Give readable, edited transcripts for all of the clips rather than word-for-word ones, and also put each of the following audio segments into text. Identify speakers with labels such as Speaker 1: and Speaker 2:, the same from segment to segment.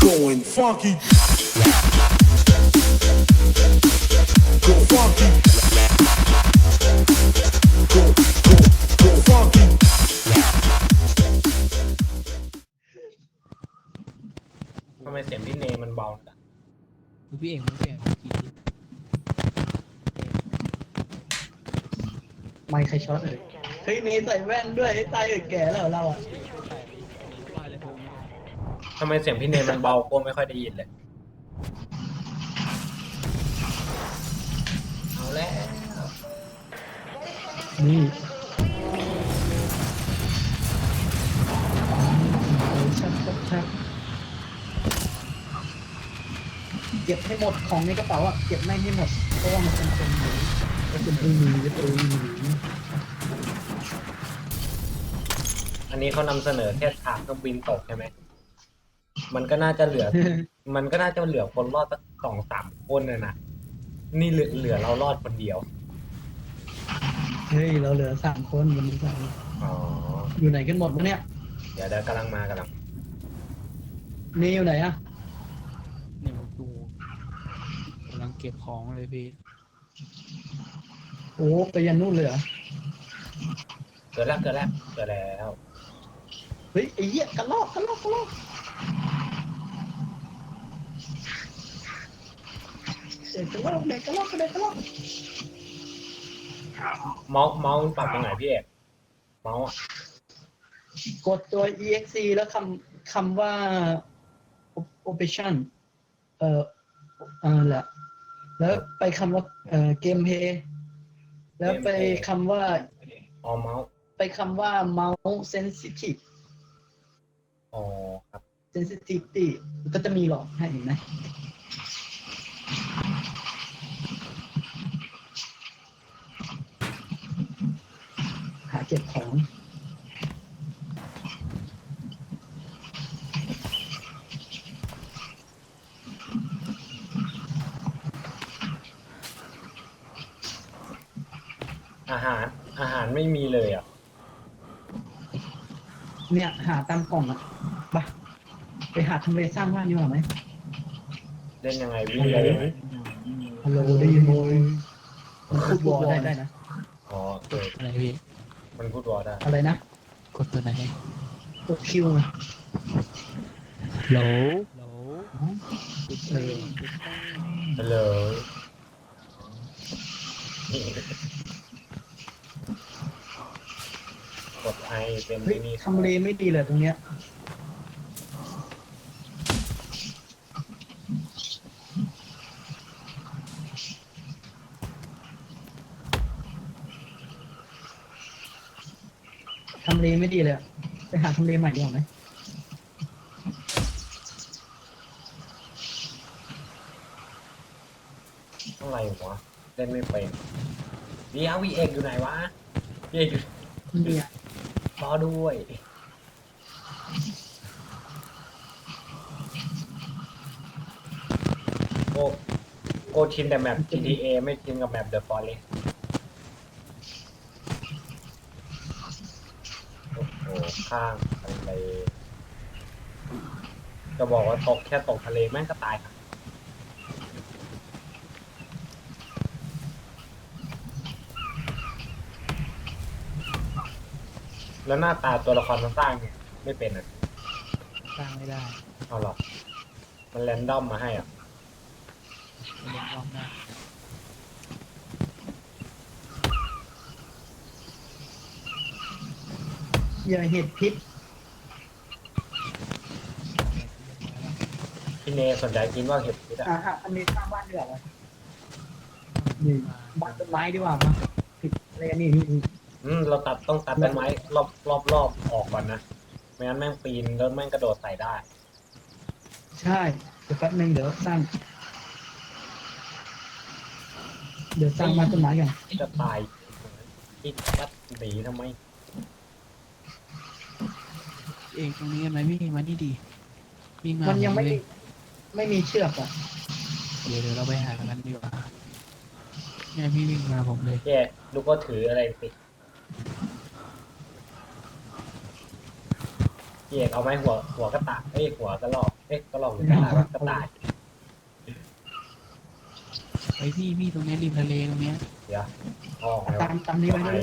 Speaker 1: Going funky. Go funky. Go funky.
Speaker 2: ทำไมเสียงพี่เนมันเบาจัง
Speaker 3: พี่เอกมันเปลี่ยนกี่
Speaker 4: ไม่ใครช็อตเลยเฮ้ยนี่ใส่แว่นด้วยไอ้ตายแก่แล้วเราอ่ะ
Speaker 3: ว่าเลยผม
Speaker 2: ทำไมเสียงพี่เนมันเบาโก้ไม่ค่อยได้ยินเลยเอาแล้ว
Speaker 4: นี่ชักชักเก็บให้หมดของในกระเป๋าอ่ะเก็บไม่ให้หมดเพราะว่ามันเป็นคนหนีก็เป็นปืนหนีก็ปืนหนี
Speaker 2: อันนี้เขานำเสนอแค่ฉากเครื่องบินตกใช่ไหมมันก็น่าจะเหลือ มันก็น่าจะเหลือคนรอดสัก2-3 คนนะนี่เหลือเรารอดคนเดียว
Speaker 4: เฮ้ยเราเหลือ3 คนวันนี้สาม
Speaker 2: อ๋อ
Speaker 4: อยู่ไหนกันหมดวะเนี่ย
Speaker 2: เดี๋ยวกำลังมากำลัง
Speaker 4: นี่อยู่ไหนอ่ะ
Speaker 3: เนี่ยผมดูกำลังเก็บของเลยพี่
Speaker 4: โอ้ไปยันนู่นเลยเหรอ
Speaker 2: เกิดแล้ว
Speaker 4: เฮ้ยไอ้เหี้ยกระลอกเด็กกระลอก
Speaker 2: เมาส์มันปรับตรงไหนพี่เอกเมาส์อะ
Speaker 4: กดตัว exe แล้วคำว่า operation แหละแล้วไปคำว่าgameplay แล้วไปคำว่า
Speaker 2: อ๋อเมาส์
Speaker 4: ไปคำว่า mouse sensitive
Speaker 2: อ๋อครับ
Speaker 4: sensitivity ก็จะมีหลอกให้เห็นไหมหาเก็บของ
Speaker 2: อาหารไม่มีเลยอ่ะ
Speaker 4: เนี่ยหาตามกล่องอ่ะไปหาทำเลสร้างบ้านดีกว่าไหม
Speaker 2: เล่นยังไงวิ่งได้ไหม
Speaker 4: ฮัลโหลได้ยินโมยมันพูดวอลได้นะ
Speaker 2: อ๋อ
Speaker 3: อะไรพี่
Speaker 2: มันพูดวอลได้
Speaker 4: อะไรนะ
Speaker 3: กดตัวไหน
Speaker 4: กดคิวไง
Speaker 3: โหล
Speaker 4: เออ
Speaker 2: ฮัลโหลกดไอเป็น
Speaker 4: เฮ้ย
Speaker 2: ที่นี่
Speaker 4: ทำเลไม่ดีเลยตรงเนี้ยทำเลไม่ดีเลยอะไปหาทำเลใหม่ดีกว่าไหม
Speaker 2: อะไรวะเล่นไม่เป็นเดี๋ยววีเอกอยู่ไหนวะวีเอกอยู่
Speaker 4: เนี่ย
Speaker 2: รอด้วยโกชินแต่แมป GTA ไม่ชินกับแมป The Forest โอ้โหข้างทะเลจะบอกว่าตกทะเลแม่งก็ตายค่ะแล้วหน้าตาตัวละครมันสร้างเนี่ยไม่เป็นอ่ะ
Speaker 3: สร้างไม่ได้
Speaker 2: เอาหรอมันแรนดอมมาให้อ่ะ
Speaker 3: เรียนรอบหน้า
Speaker 4: อย่าเห็ดพิษ
Speaker 2: พี่เนสนใจกินว่าเห็ดพิษอ่ะ
Speaker 4: อันนี้สร้างบ้านดีกว่าไหมนี่บ้านต้นไม้ดีกว่ามาผิดอะไรกันนี่
Speaker 2: เราต้องตัดต้นไม้รอบออกก่อนนะไม่งั้นแม่งปีนแล้วแม่งกระโดดใส่ได้
Speaker 4: ใช่เดี๋ยวแป๊บนึงเดี๋ยวสร้างบ้านต้นไม้กัน
Speaker 2: จะตายอีกวัดหนีทำไม
Speaker 3: เอกตรงนี้ไหมพี่มานี่ดีวิ่งมา
Speaker 4: มันยังไม่
Speaker 3: เล
Speaker 4: ไม่มีเชือกอ่ะ
Speaker 3: เดี๋ยวเราไปหากันดีกว่าเนี่ยพี่วิ่งมาผมเลย
Speaker 2: แย่ลูกก็ถืออะไรสิพี่เอกเอาไหมหัวกระต่ายหัวกระรอกกระหลอกหรือกระต่ายว่ากระต่าย
Speaker 3: ไปพี่ตรงเนี้ยริมทะเลตรงเนี้ย
Speaker 2: เดี๋ยวเอาออกไงวะ
Speaker 4: ตามนี้ไปเลย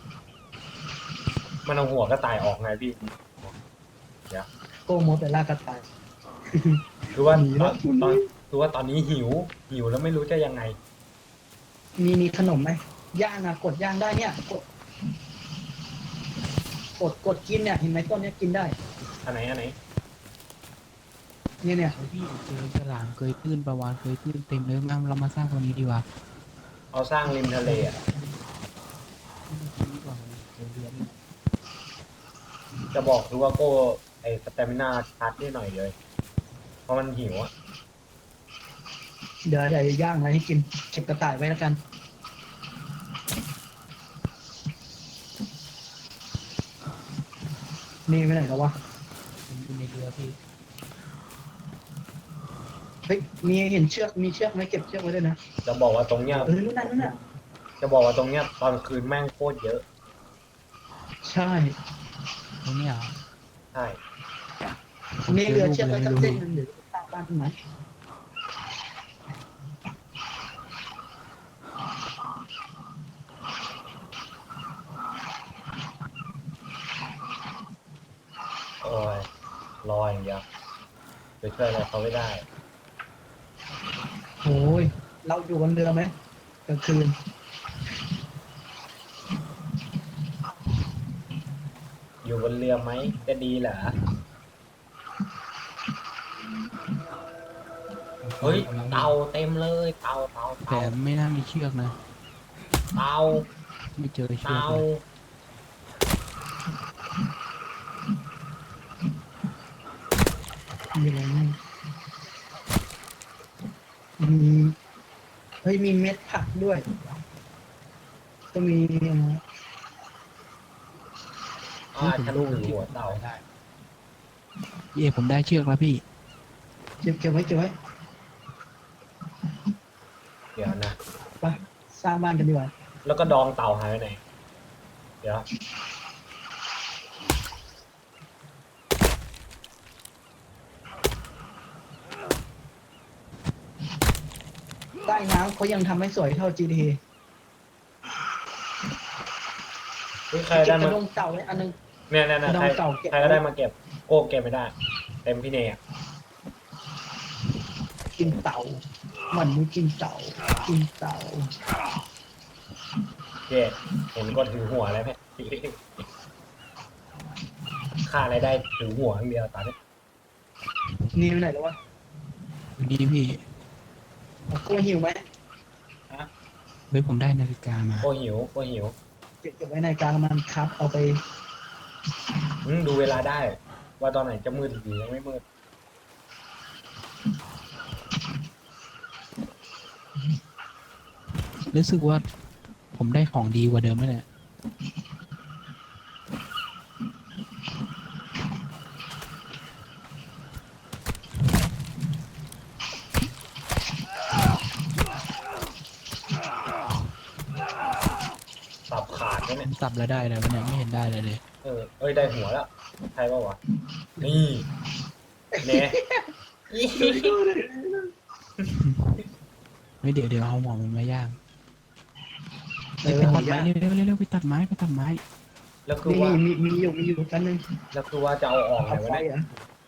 Speaker 2: มันเอาหัวกระต่ายออกไงพี่
Speaker 4: โก้โมแต่ล่ากระต่าย
Speaker 2: คือว่า
Speaker 4: หนีแล้ว
Speaker 2: คือว่าตอนนี้หิวแล้วไม่รู้จะยังไง
Speaker 4: มีขนมไหมย่างอะกดย่างได้เนี่ย กดกินเนี่ยเห็นไหมต้นเนี้ยกินได้
Speaker 2: อันไหน
Speaker 4: เนี่ย
Speaker 3: ไปพี่เจอฉลามเกยตื้นปลาวาฬเกยตื้นเต็มเลยงั้นเรามาสร้างตรงนี้ดีกว่า
Speaker 2: เอาสร้างริมทะเลอ่ะ
Speaker 3: ดีกว่าเจอเรือนี่
Speaker 2: จะบอกดูว่าโก้ไอ้สเตมินาชาร์จนิดหน่อยเลย เพราะมันหิวอ่ะ
Speaker 4: เดี๋ยวย่างอะไรให้กินเก็บกระต่ายไว้แล้วกัน นี่ไปไหนแล้ววะ
Speaker 3: ผมอยู่ในเรือพี่
Speaker 4: เฮ้ยเห็นเชือกมีเชือกไหมเก็บเชือกไว้ด้วยนะ
Speaker 2: จะบอกว่าตรงเนี้ย
Speaker 4: นู่นน่ะ
Speaker 2: จะบอกว่าตรงเนี้ยตอนคืนแม่งโคตรเยอะ
Speaker 4: ใช่
Speaker 3: ตรงเนี้ยเหรอ
Speaker 2: ใช่
Speaker 4: มีเรือเชือกไว้สักเส้นหนึ่งหรือสร้างบ้านขึ้นไหม
Speaker 2: โอ้ยรออย่างเดียวไปช่วยอะไรเขาไม่ได้
Speaker 4: โอ้ยเราอยู่บนเรือไหมกลางคืน
Speaker 2: อยู่บนเรือไหมจะดีเหรอเฮ้ยเตาเต็มเลยเตา
Speaker 3: แต่ไม่น่ามีเชือกนะ
Speaker 2: เตา
Speaker 3: ไม่เจอเชือก
Speaker 2: เตา
Speaker 3: เลย
Speaker 4: มีอะไรบ้างเฮ้ยมีเม็ดผักด้วย ก็มี
Speaker 2: ฉันรู้หัวเตา
Speaker 3: ได้พี่เอกผมได้เชือกแล้วพี่
Speaker 4: เก็บไว้
Speaker 2: เดี๋ยวนะ
Speaker 4: ไปสร้างบ้านกันดีกว่า
Speaker 2: แล้วก็ดองเต่าหายไปไหน เดี๋ยว
Speaker 4: ใต้น้ำเขายังทำให้สวยเท่า GTA
Speaker 2: เฮ้ยใคร
Speaker 4: เก็
Speaker 2: ได้
Speaker 4: บก
Speaker 2: มา
Speaker 4: ระดงเต่าไว้อันนึง
Speaker 2: เนี่ย
Speaker 4: ดอง
Speaker 2: ใคร
Speaker 4: เต่าเก็บ
Speaker 2: ใครก็ได้มาเก็บ โก้เก็บไม่ได้ เต็มพี่เนยอ่ะ
Speaker 4: กินเต่ามันไม่กินเต่า กินเต่า
Speaker 2: เจ๊เห็นก็ถือหัวแล้วไหมค่าอะไรได้ถือหัวอย่างเดียวตอนนี้
Speaker 4: นี่ไปไหนแล้ววะ
Speaker 3: อยู่นี่พี่
Speaker 4: กลัวหิวไหม
Speaker 3: เฮ้ยผมได้นาฬิกามา
Speaker 2: โก้หิว
Speaker 4: เก็บไว้ในกลางมันครับ เอาไป
Speaker 2: ดูเวลาได้ ว่าตอนไหนจะมืดหรือยังไม่มืด
Speaker 3: รู้สึกว่าผมได้ของดีกว่าเดิมแล้วแหละ
Speaker 2: สับขาดไหม
Speaker 3: ผ
Speaker 2: เนี่ย
Speaker 3: มสับแล้วได้แล้วเนี่ยไม่เห็นได้เลย
Speaker 2: เอ้ยได้หัวแล้วใช่ป่าวะ นี่เนี่ย
Speaker 3: ไม่เดี๋ยวเอาหมอมันมาย่าง
Speaker 4: เอ
Speaker 3: ไป
Speaker 4: อ
Speaker 3: ตัดไม้เร็วไปตัดไม้ไปตัดไม้
Speaker 2: แล้วคือว่า
Speaker 4: มีอยู่กันนึง
Speaker 2: แล้วคือว่าจะเอาออกไง
Speaker 4: เอา
Speaker 2: วะ
Speaker 4: ไฟ
Speaker 2: เนี่ย
Speaker 4: เหรอ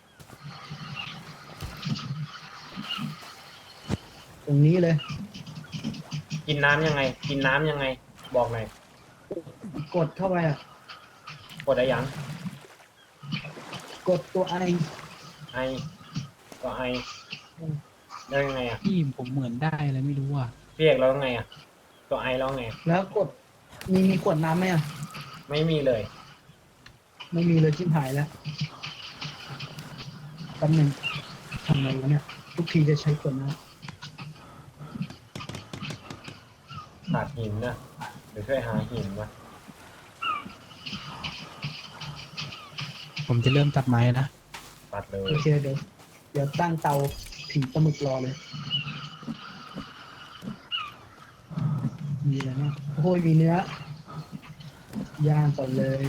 Speaker 4: ตรงนี้เลย
Speaker 2: กินน้ำยังไง บอกหน่อย
Speaker 4: กดเข้าไปอ่ะ
Speaker 2: กดได้ยัง
Speaker 4: กดตัวไอ
Speaker 2: ไอก็ไอแล้วยังไงอ่ะ
Speaker 3: พี่ผมเหมือนได้อะไรไม่รู้อ่ะ
Speaker 2: พี่เอกแล้วไงอ่ะตัวไอแล้วไง
Speaker 4: แล้วกดมีขวดน้ำไหมอ่ะ
Speaker 2: ไม่มีเลย
Speaker 4: ไม่มีเลยชิบหายแล้วแป๊บหนึงทำไงวะเนี่ย ทุกทีจะใช้ขวดน้
Speaker 2: ขาดหินนะเดี๋ยวช่วยหาหินวะ
Speaker 3: ผมจะเริ่มตัดไม้นะ
Speaker 2: ตัดเล
Speaker 4: ำ
Speaker 2: ย
Speaker 4: โอเคเดี๋ยวตั้งเตาผิงปลาหมึกรอเลย มีอะไรนะโอ้ยมีเนื้อย่างก่อนเลย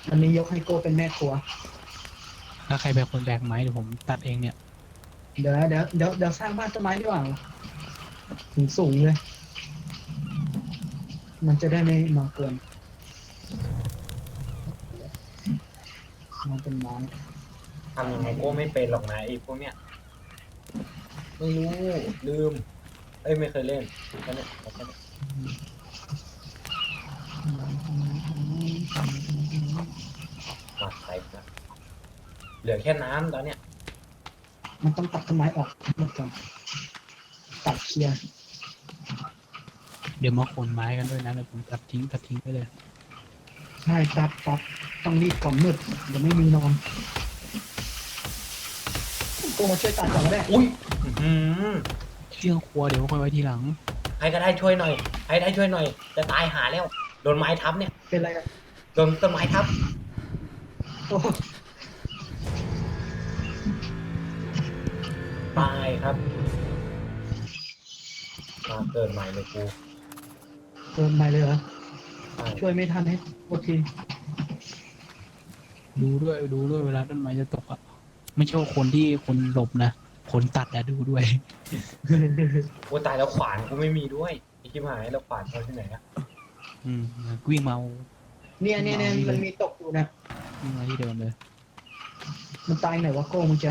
Speaker 4: อันนี้ยกให้โก้เป็นแม่ครัว
Speaker 3: ถ้าใครเป็นคนแบกไม้เดี๋ยวผมตัดเองเนี่ย
Speaker 4: เดี๋ยวสร้างบ้านต้นไม้ดีกว่าถึงสูงเลย มันจะได้ไม่มากวนมันเป็นไม้
Speaker 2: ทำยังไงโก้ไม่เป็นหรอกนะไอ้พวกเนี้ยไม่รู้ลืม เอ้ยไม่เคยเล่นแค่นี้แค่นี้มาใส่นะเหลือแค่น้ำตอนเนี้ย
Speaker 4: มันต้องตัดต้นไม้ออกหมดก่อนตัดเคลียร์
Speaker 3: เดี๋ยวมาขนไม้กันด้วยนะเดี๋ยวผมตัดทิ้งไปเลย
Speaker 4: ใช่ตัดต้องรีบก่อนมืดเดี๋ยวไม่มีนอนโก้มาช่วยตัดก่อนก็ได้
Speaker 2: อุ้ยอื้อหือ
Speaker 3: เครื่องครัวเดี๋ยวค่อยไว้ทีหลัง
Speaker 2: ใครก็ได้ช่วยหน่อยใครได้ช่วยหน่อย จะตายหาแล้ว โดนไม้ทับเนี่ย
Speaker 4: เป็นไรกัน
Speaker 2: โดนต้นไม้ทับ
Speaker 4: โอ้
Speaker 2: ตายครับมาเกิดใหม่เลยกู
Speaker 4: เกินไปเลยเหรอ
Speaker 2: ใช่
Speaker 4: ช่วยไม่ทันให้โอเค
Speaker 3: ดูด้วยเวลาต้นไม้จะตกอ่ะไม่ใช่ว่าคนหลบนะคนตัดอะดูด้วย
Speaker 2: กูตายแล้วขวานกูไม่มีด้วยไอ้ชิบหายแล้วขวานเขาที่ไหนอะ
Speaker 3: อืมวิ่งมา
Speaker 4: เนี่ยมันมีตกอยู่นะ
Speaker 3: วิ่งมาที่เดิมเลย
Speaker 4: มันตายไหนวะโก้มึงจะ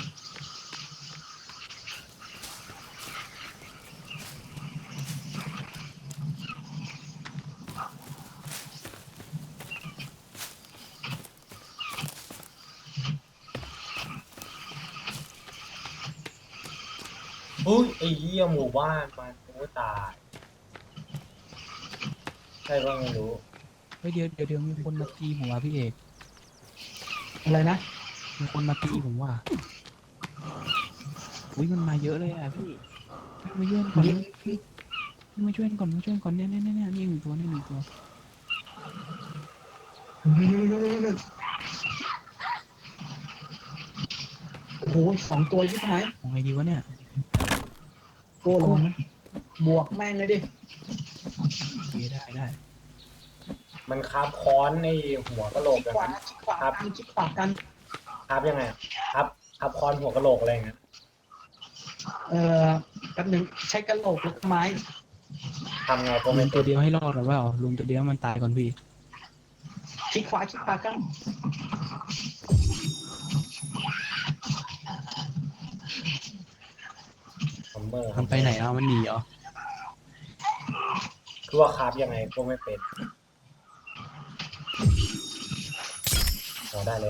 Speaker 2: เฮ้ยไอ้เหี้ยหมู่บ้านมันโอ้ตายใช่ก็ไม่รู้
Speaker 3: เฮ้ยเดี๋ยวมีคนมาตีผมว่ะพี่เอก
Speaker 4: อะไรนะ
Speaker 3: มีคนมาตีผมว่ะอุ้ยมันมาเยอะเลยอ่ะพี่มาช่วยก่อนมาช่วยก่อนเนี่ยนี่หนึ่งตัวนี่หนึ่งตัว
Speaker 4: โอ้โห2 ตัวชิบหาย
Speaker 3: ของไงดีวะเนี่ย
Speaker 4: โก้ลงนะบวกแม่งเลยดิ
Speaker 3: โอเคได้
Speaker 2: มันคาบค้อนในหัวกะโหลก
Speaker 4: คิด
Speaker 2: อะ
Speaker 4: ขวากันคิดขวากัน
Speaker 2: คาบยังไงอะคาบค้อนหัวกะโหลกอะไรอย่างเงี้ย
Speaker 4: แป๊บหนึงใช้กระโหลกแล้วก็ไม้
Speaker 2: ทำไงก็
Speaker 3: ลุ
Speaker 2: ไม่
Speaker 3: งตัวเดียวให้รอดหรือเปล่าลุงตัวเดียวมันตายก่อนพี่
Speaker 4: คิดขวากัน
Speaker 2: ซัมเมอร์
Speaker 3: มันไปไหนเอามันหนีเหรอ
Speaker 2: คือว่าคาบยังไงก็ไม่เป็นพอได้แล้ว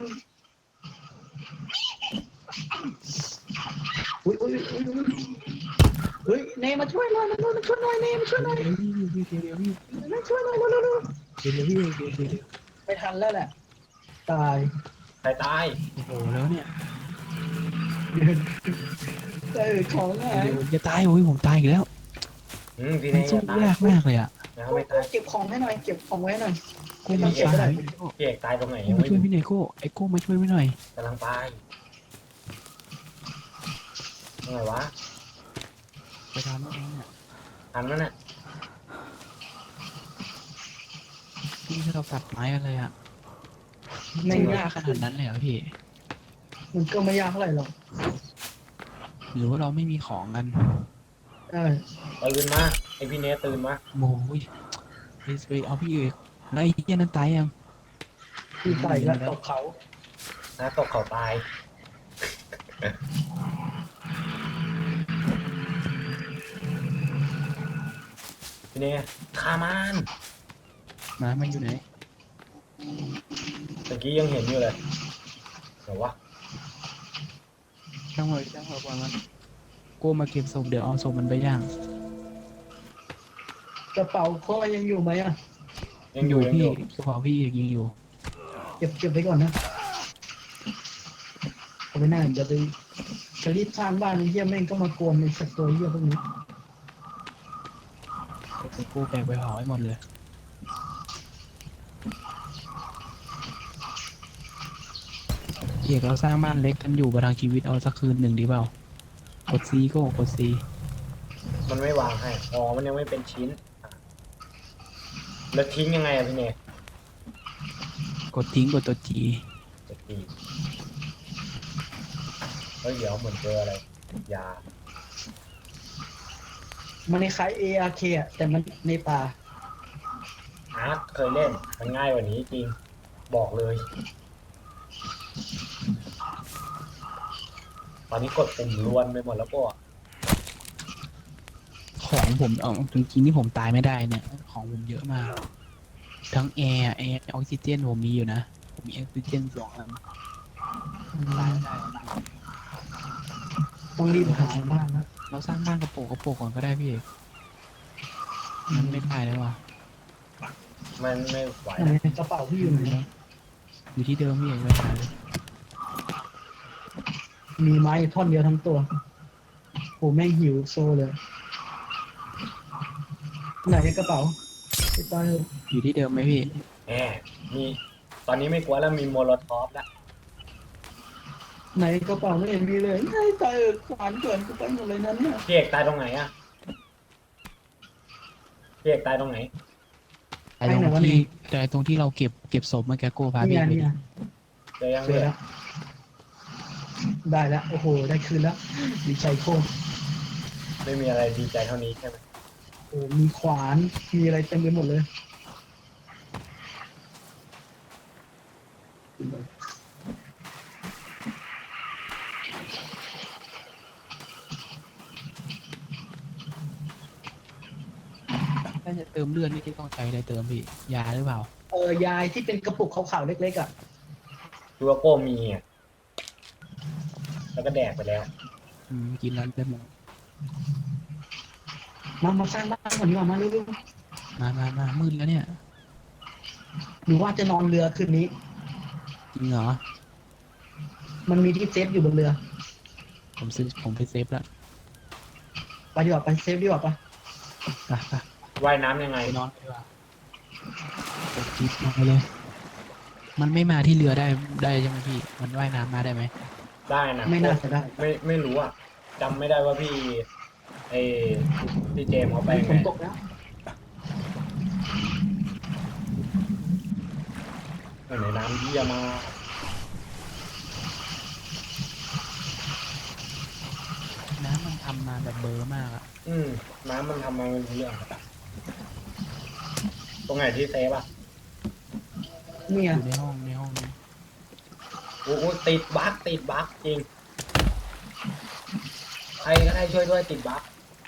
Speaker 4: อุ้ยเฮ้ยเนมาช่วยหน่อยมาช่วยหน่อยเนมาช่วยหน่อย
Speaker 3: เดี๋ยวพี่
Speaker 4: มาช่วยหน่อยเร็ว
Speaker 3: เดี๋ยวพี่
Speaker 4: ไม่ทันแล้วแหละตาย
Speaker 2: ใครตาย
Speaker 3: โอ้โหแล้วเนี่ย
Speaker 4: ของไง
Speaker 3: เดี๋ยวจะตายโอ้ยผมตายอีกแล้ว
Speaker 2: พี่
Speaker 3: มั
Speaker 2: เน่
Speaker 3: นสู้
Speaker 2: ตาย
Speaker 3: ยากมากเลยอ่ะ
Speaker 2: แล้วไม่ตาย
Speaker 4: เก็บของให้หน่อยเก็บของไว้หน่อย
Speaker 3: โก้มาช่วย
Speaker 2: พี่เอกตายตรงไหน
Speaker 3: โก้
Speaker 2: ยัง
Speaker 3: มา
Speaker 2: ไม่
Speaker 3: ช่วยพี่เนโก้ไอ้โก้มาช่วยพี่หน่อย
Speaker 2: กำลังไปยังไงวะ
Speaker 3: ไปทำแล้วเนี่ย
Speaker 2: ทันแล้วเนี่ย
Speaker 3: พี่เราตัดไม้กันเลยอ่ะ
Speaker 4: ไม่
Speaker 3: ไม่
Speaker 4: ยาย
Speaker 3: าก กขนาดนั้นเลยเหรอพี่
Speaker 4: มันก็ไม่ยากเท่าไหร่หรอก
Speaker 3: หรือว่าเราไม่มีของกัน
Speaker 2: ตื่นมาไอพี่เน่ตื่นมา
Speaker 3: โอ้ยไปเอาพี่เอกแล้วไอ้เหี้ยนั้นตายยัง
Speaker 4: ที่ใส่แล้วตกเขา
Speaker 2: นะตกเขาตายพี่เน่ฆ่ามัน
Speaker 3: มันอยู่ไหน
Speaker 2: เมื่อกี้ยังเห็นอยู่เลยเดี๋ยววะ
Speaker 3: ช่างหัวก่อนมันโก้มาเก็บศพเดี๋ยวเอาศพมันไปย่าง
Speaker 4: กระเป๋าพ่อยังอยู่ไหมอ่ะ
Speaker 2: ยังอยู่ยัง
Speaker 3: พี่
Speaker 2: อยู่
Speaker 3: กระเป๋าพี่เอกยังอยู่
Speaker 4: เก็บไว้ก่อนนะเอาไปหน้าจะรีบสร้างบ้านไอ้เหี้ยแม่งก็มากวนในสัตว์ตัวเหี้ยพวกนี้
Speaker 3: ไอ้โก้แบกไปเผาให้หมดเลยเอกเราสร้างบ้านเล็กกันอยู่ประทังชีวิตเอาสักคืนหนึ่งดีเปล่ากดซีโก้กดซี
Speaker 2: มันไม่วางให้อ๋อมันยังไม่เป็นชิ้นอ่ะแล้วทิ้งยังไงอะพี่เน่
Speaker 3: กกดทิ้งกดตัวจี
Speaker 2: จะตีเฮ้ยเดี๋ยวเหมือนเจออะไรยา
Speaker 4: มันคล้าย ARK อ่ะแต่มันในป่า
Speaker 2: อาร์ตเคยเล่นมันง่ายกว่านี้จริงบอกเลย ตอนนี้กดปุ่มล้วนไปหมดแล้วก็
Speaker 3: ของผมเอาจริงๆที่ผมตายไม่ได้เนี่ย ของผมเยอะมาก ทั้งแอร์ออกซิเจนผมมีอยู่นะ ผมมีออกซิเจน2 อันตายไม่ได้
Speaker 4: ต้องรีบหาบ้านนะ
Speaker 3: เราสร้างบ้านกระโปงก่อนก็ได้พี่เอกมันไม่ได้แล้วว่ะ
Speaker 2: มันไม่ไหว
Speaker 4: ไหนกระเป๋าพี่อยู่ไหน
Speaker 3: อยู่ที่เดิมพี่เอกไม่ได้เลย
Speaker 4: มีไม้ท่อนเดียวทั้งตัวโอ้แม่งหิวโซเลยไหนกระเป๋าไปตายเถอะ
Speaker 3: อยู่ที่เดิมไหมพี่
Speaker 2: แหมมีตอนนี้ไม่กลัวแล้วมีโมโลทอฟแล้ว
Speaker 4: ไหนกระเป๋าไม่เห็นมีเลยไอ้ตายเออขวานเกินกูไปหมดเลยนั้นเนี่ย
Speaker 2: พี่เอกตายตรงไหนอะพี่เอกตายตรงไหน
Speaker 3: แต่ตรงที่เราเก็บศพเมื่อกี้โก้พา
Speaker 4: นี่
Speaker 3: พี่
Speaker 4: ไง
Speaker 3: ไป
Speaker 4: นี่ไง
Speaker 2: เจอยัง
Speaker 4: เจ
Speaker 2: พี่
Speaker 4: อแล้วได้แล้วโอ้โหได้คืนแล้วดีใจโคตร
Speaker 2: ไม่มีอะไรดีใจเท่านี้ใช่ไหม
Speaker 4: โอ้มีขวานมีอะไรเต็มไปหมดเลย
Speaker 3: ถ้าจะเติมเลือดนี่ต้องใช้อะไรเติมพี่ ยาหรือเปล่า
Speaker 4: ยายที่เป็นกระปุกขาวๆเล็กๆอ่ะ
Speaker 2: ดูว่าโก้มีอะแล้วก็แดกไปแล้ว
Speaker 3: กินแล้วได้หมด
Speaker 4: มาสร้างบ้านก่อนดีกว่ามาเร็ว
Speaker 3: มามืดแล้วเนี่ย
Speaker 4: ๆหรือว่าจะนอนเรือคืนนี้
Speaker 3: จริงเหรอ
Speaker 4: มันมีที่เซฟอยู่บนเรือ
Speaker 3: ผมไปเซฟแล้ว
Speaker 4: ไปดีกว่าไปเซฟดีกว่าปะ
Speaker 3: ไป
Speaker 2: ว่ายน้ำยังไง
Speaker 3: ไปนอนดีกว่า กดจิ๊บลงไปเลย มันไม่มาที่เรือได้ใช่ไหมพี่ มันว่ายน้ำมาได้ไหม
Speaker 2: ได้นะ
Speaker 4: ไม่น่าจะได้
Speaker 2: ไม่รู้อะจำไม่ได้ว่าพี่ไอพี่เจมส์เขาไป
Speaker 4: มี
Speaker 2: ไง
Speaker 4: ฝนตกแล้ว
Speaker 2: ในน้ำเยี่ยมมาก
Speaker 3: น้ำมันทำมาแบบเบลอร์มากอะ
Speaker 2: น้ำมันทำมาเป็นเรื่องตรงไหนที่เซฟอะ
Speaker 4: เนี่ย
Speaker 3: อยู่ในห้องนี้
Speaker 2: โอ้โหติดบั๊กจริงใครก็ได้ช่วยด้วยติดบั๊ก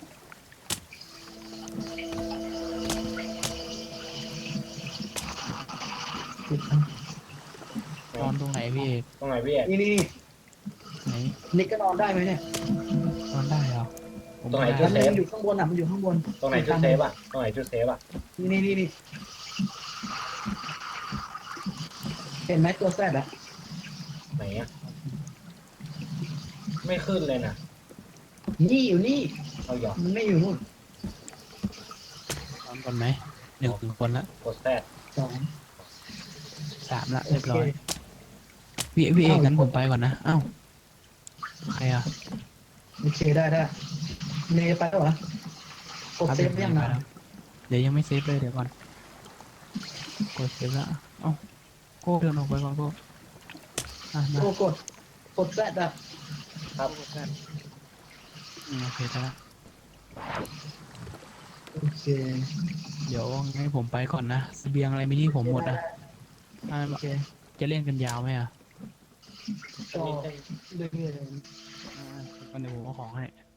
Speaker 3: นอนตรงไหนพี่เอก
Speaker 2: ตรงไหนพี่เอก
Speaker 4: นี่
Speaker 3: ไหน
Speaker 4: นี่ก็นอนได้ไหมเนี่ย
Speaker 3: นอนได้เหรอผม
Speaker 2: ตรงไหน
Speaker 3: ม่
Speaker 2: จุ
Speaker 3: ด้
Speaker 2: ดเซฟ
Speaker 4: มันอยู่ข้างบนอ่ะมันอยู่ข้างบน
Speaker 2: ตรงไหนจุดเซฟอะตรงไหนจุดเซฟอะ
Speaker 4: นี่เห็นไหมตัวแซดอ่ะ
Speaker 2: ไหนอะไม่ขึ้นเลยนะ
Speaker 4: นี่อยู่นี่
Speaker 2: เอาหยอก
Speaker 4: มันไม่อยู่นู่น
Speaker 3: นอนก่อนไหม1 คนละ
Speaker 2: กดแซด
Speaker 4: 2
Speaker 3: 3ละ
Speaker 4: โอ
Speaker 3: เรียบ
Speaker 4: เค
Speaker 3: ร้อยพี่เอกงั้นผมไปก่อนนะอ้าวใครอ่ะ
Speaker 4: โอเคได้เนยไปแล้วเหรอ กดเซฟยัง
Speaker 3: ไป
Speaker 4: นะ
Speaker 3: แล้วเดี๋ยวยังไม่เซฟเลยเดี๋ยวก่อนกดเซฟแล้วเอ้าโก้เดินออกไปก่อนโก้มา
Speaker 4: โอ้กดแซดอ่ะ
Speaker 2: ครับ
Speaker 3: โอเคได้ละ
Speaker 4: โอเค
Speaker 3: เดี๋ยวให้ผมไปก่อนนะเสบียงอะไรไม่ที่ผมหมดอ่ะ
Speaker 4: โอเค
Speaker 3: จะเล่นกันยาวไหมอ่ะ
Speaker 4: ก็เรื่อย
Speaker 3: ก็เดี๋ยวผมเอาของให้
Speaker 4: ๆ